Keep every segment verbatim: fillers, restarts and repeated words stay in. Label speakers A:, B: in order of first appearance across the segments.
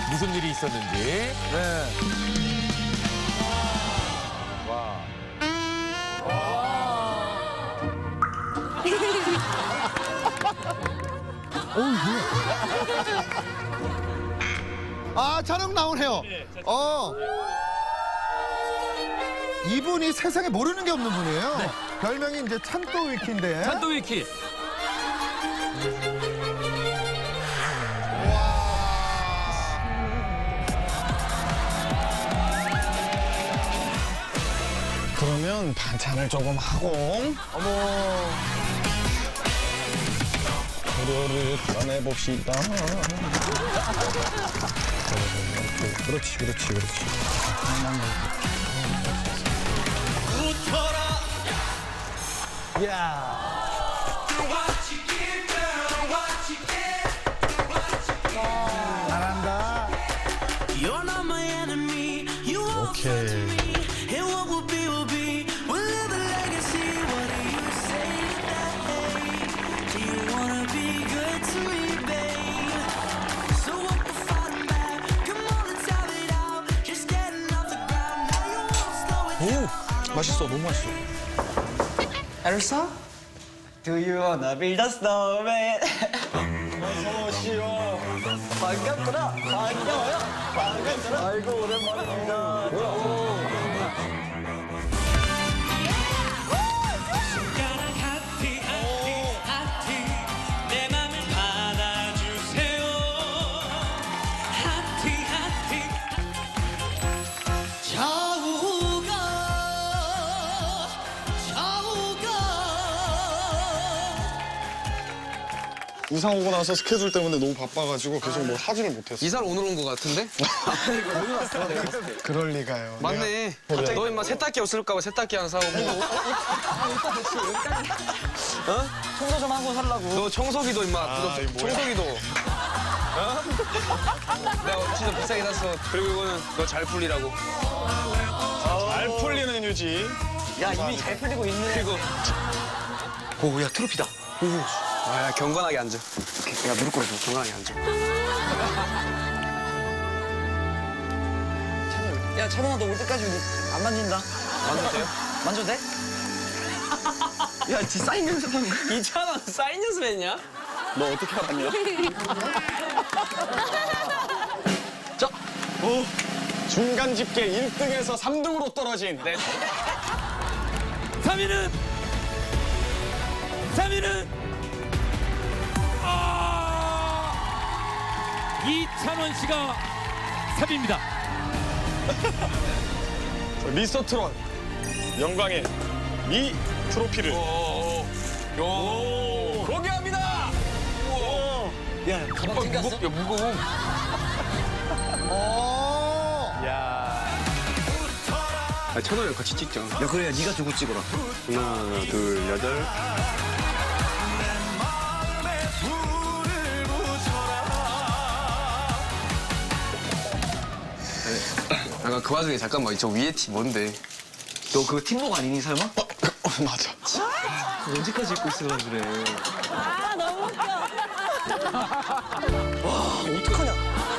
A: 무슨 일이 있었는지.
B: 네. 와.
C: 아, 찬욱 나오네요. 어. 이분이 세상에 모르는 게 없는 분이에요. 별명이 이제 찬또 위키인데.
A: 찬또 위키.
D: 그러면 반찬을 조금 하고
C: 어머.
D: 도로를 꺼내봅시다. 그렇지, 그렇지, 그렇지.
C: 잘한다.
E: You're not my enemy. You won't
D: 오케이.
E: me. And what will be will be. We'll live a legacy. What do you say to that? Hey, do you wanna be good to me, babe? So what the fighting back? Come on, let's have it out. Just getting off the ground. Now you won't slow it down.
D: 오, 맛있어, 너무 맛있어.
F: Elsa? Do you wanna be the snowman?
D: 어서 오시오.
F: 반갑구나. 반가워요. 반갑구나. 아이고 오랜만입니다.
E: 손가락 하트 하트 하트 내 맘을 받아주세요 하트 하트 좌우가 좌우가
D: 이사 오고 나서 스케줄 때문에 너무 바빠가지고 계속 뭘 하지를 못했어.
G: 이사를 오늘 온 것 같은데?
D: 그럴 리가요.
G: 맞네.
D: 내가-
G: 너 임마 세탁기 없을까봐 세탁기 하나 사오고.
F: 청소 좀 하고 살라고.
G: 너 청소기도 임마.
D: 아,
G: 너
D: 이거 뭐야?
G: 청소기도. 어? 내가 진짜 비싸게 샀어. 그리고 이거는 너 잘 풀리라고.
D: 잘 풀리는 유지.
F: 야 이미 잘 풀리고 있네.
G: 그리고
F: 오야 트로피다.
G: 아, 야, 경건하게 앉아.
F: 야 무릎 꿇어줘.
G: 경건하게 앉아.
F: 야 찬원아 너 올 때까지 안 만진다.
G: 만져도 돼요?
F: 만져도 돼? 야 지 사인 연습하는 거.
G: 이찬원 사인 연습했냐?
D: 너 어떻게 알았냐?
F: 자.
D: 오, 중간 집계 일 등에서 삼 등으로 떨어진 네.
A: 삼 위는 삼 위는 아! 이찬원 씨가 삼 위입니다.
D: 미스터 트롯 영광의 미 트로피를
G: 요. 공개합니다.
F: 야 가방
G: 어,
F: 챙겼어?
G: 무겁, 야, 무거워.
C: 어.
G: 아, 찬원이랑 같이 찍자.
F: 야 그래 네가 저거 찍어라.
G: 하나, 둘, 여덟. 아까 그 와중에 잠깐만 저 위에 티 뭔데?
F: 너 그거 팀복 아니니 설마?
D: 어, 맞아.
F: 언제까지 입고 있으려 그래.
H: 아 너무 웃겨.
F: 어떡하냐?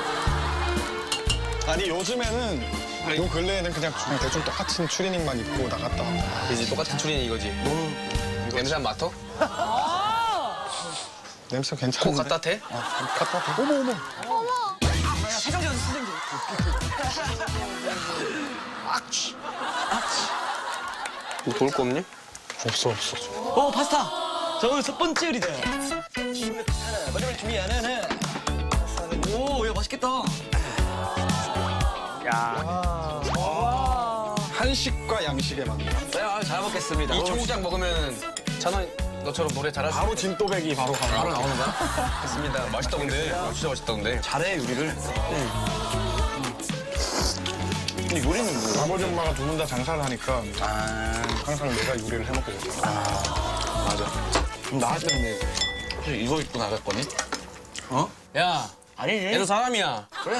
D: 아니 요즘에는 요 근래에는 그냥, 그냥 대충 똑같은 추리닝만 입고 나갔다 왔다.
G: 그지 똑같은 추리닝 이거지. 너는 냄새 안 맡아?
D: 냄새
G: 코
D: 괜찮은데?
G: 갖다 대?
D: 아, 갖다 대. 어머 어머.
F: 세정제 연습 세정제.
G: 뭐 볼 거 없니?
D: 없어 없어.
F: 어 파스타. 저 오늘 첫 번째 요리다. 마지막에 준비하는 해. 오야 맛있겠다.
D: 한식과 양식의 만남.
F: 네, 아, 잘 먹겠습니다.
G: 이 청국장 먹으면 찬원 너처럼 노래 잘할 수
D: 바로 진또배기 바로 가는
G: 바로
D: 거.
G: 나오는 거야? 됐습니다. 맛있다 근데. 아, 진짜 맛있다 근데.
F: 잘해 요리를. 근데 요리는 뭐?
D: 아버지 엄마가 두 분 다 장사를 하니까 항상 내가 요리를 해먹게 됐어.
F: 맞아. 그럼 나갈 때는 혹시 이거 입고 나갈 거니?
G: 어? 야,
F: 아니.
G: 얘도 사람이야.
F: 그래.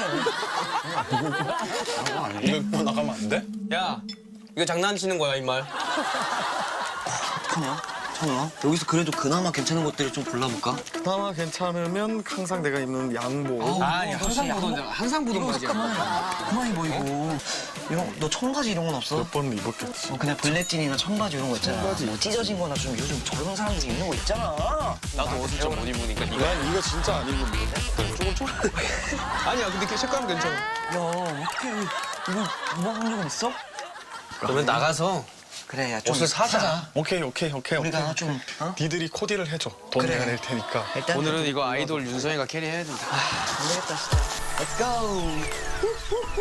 D: 이거 입고 나가면 안 돼?
G: 야, 이거 장난치는 거야 이 말.
F: 어떡하냐? 찬호야, 여기서 그래도 그나마 괜찮은 것들을 좀 골라볼까?
D: 그나마 괜찮으면 항상 내가 입는 양복.
G: 아니 항상 보던 항상 보던 바지야.
F: 그만이 보이고. 이런 너 청바지 이런 건 없어?
D: 몇 번 입었겠지.
F: 어, 그냥 블랙진이나 청바지 이런 거 있잖아. 뭐 찢어진 거나 좀 요즘 젊은 사람들이 입는 거 있잖아.
G: 나도 옷을 좀 못 입으니까 네가.
D: 난 이거 진짜 안 입는데. 조금 좀.
G: 아니야 근데 그 색감은 괜찮아.
F: 야, 어떻게 이거 입어본 적은 있어?
G: 그러면 나가서
F: 그래, 야, 좀
G: 옷을 사자.
D: 오케이 오케이 오케이
F: 우리가
D: 오케이.
F: 좀, 어?
D: 니들이 코디를 해줘. 돈
F: 그래.
D: 내가 낼 테니까.
F: 일단
G: 오늘은 이거 아이돌 윤서이가 캐리해야 된다.
F: 안 되겠다, 진짜. Let's go.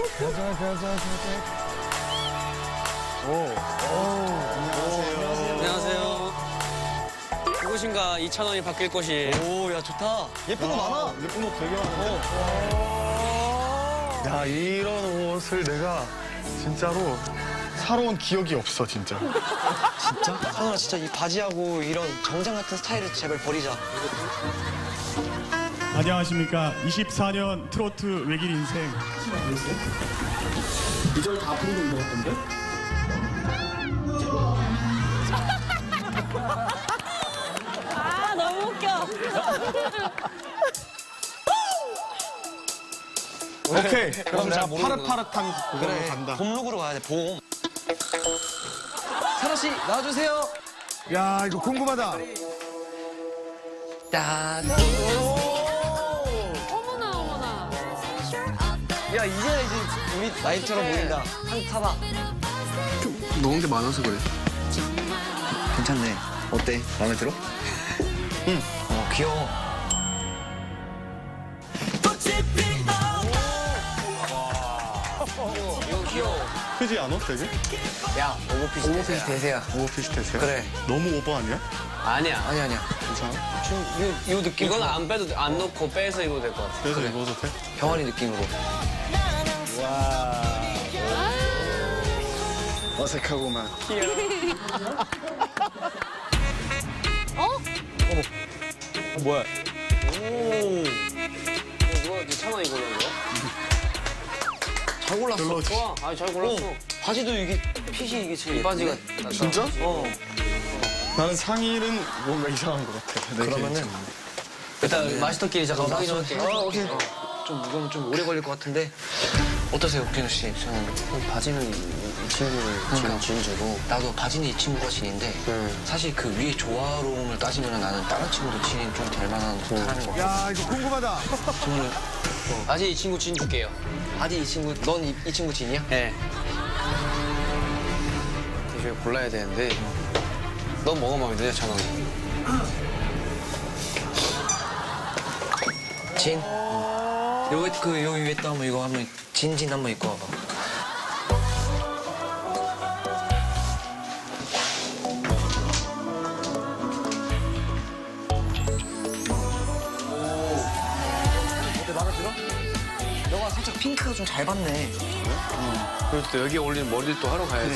B: 안녕하세요. 이곳인가 이천 원이 바뀔 곳이.
F: 오, 야, 좋다. 예쁜 거 많아.
D: 예쁜 옷 되게 많은데. 야 이런 옷을 내가 진짜로 사러 온 기억이 없어 진짜.
F: 진짜? 하늘아, 진짜 이 바지하고 이런 정장 같은 스타일을 제발 버리자.
I: 안녕하십니까. 이십사 년 트로트 외길 인생. 이절 다 부르는 것 같던데?
H: 아, 너무 웃겨.
D: 오케이. 그럼
G: 잘
D: 자
G: 모르는구나.
D: 파릇파릇한 그걸로
F: 그래,
D: 간다.
F: 봄룩으로 가야 돼, 봄. 사라 씨, 나와주세요.
C: 야, 이거 궁금하다.
F: 야,
H: 어머나, 어머나.
F: 야, 이제 이제 우리 나이처럼 보인다. 한 타봐.
G: 먹은 게 많아서 그래.
F: 괜찮네. 어때? 마음에 들어? 응. 어, 귀여워.
B: 이거 귀여워.
D: 크지 않아 되게?
B: 야, 오버핏이
F: 오버핏이 대세야.
D: 오버핏 대세야?
F: 그래.
D: 너무 오버 아니야?
B: 아니야.
F: 아니야, 아니야.
D: 괜찮아?
F: 좀, 요, 요 느낌.
B: 이거는 안 빼도 돼. 안 넣고 빼서 입어도 될 것 같아.
D: 그래서 입어도 돼?
F: 병아리 느낌으로.
D: 어색하고만.
G: 뭐야?
B: 오. 이거 이천 원 이걸로 이거?
F: 잘 골랐어.
D: 별로
B: 좋아. 아, 잘 골랐어.
F: 어, 바지도 이게 핏이 이게 제일
B: 이 바지가
F: 예쁘네.
B: 낫다.
D: 진짜?
F: 어.
D: 나는 상의는 뭔가 이상한 것 같아. 내
F: 그러면은
D: 개인적으로.
B: 일단 마스터끼리 잠깐 상의 좀 할게.
F: 어, 오케이. 좀 무거우면 좀 오래 걸릴 것 같은데 어떠세요, 국진우 씨? 저는
B: 바지는 이, 이 친구를
F: 그러니까.
B: 지금 진주고.
F: 나도 바지는 이 친구가 진인데
B: 음.
F: 사실 그 위에 조화로움을 따지면 나는 다른 친구도 진이 좀 될 만한 사람인 것 같아.
C: 야, 이거 궁금하다.
F: 저는
B: 바지 이 친구 진 줄게요.
F: 바지 이 친구, 넌 이 이 친구 진이야?
B: 네. 이제 골라야 되는데. 넌 뭐가 마음에 드냐, 찬원?
F: 진. 여기 그 여기 위에 또 한번 이거 한번 진진 한번 입고 와봐. 어때, 마음에 들어? 너가 살짝 핑크가 좀 잘 받네.
G: 그리고 또 여기 어울리는 머리를 또 하러 가야지.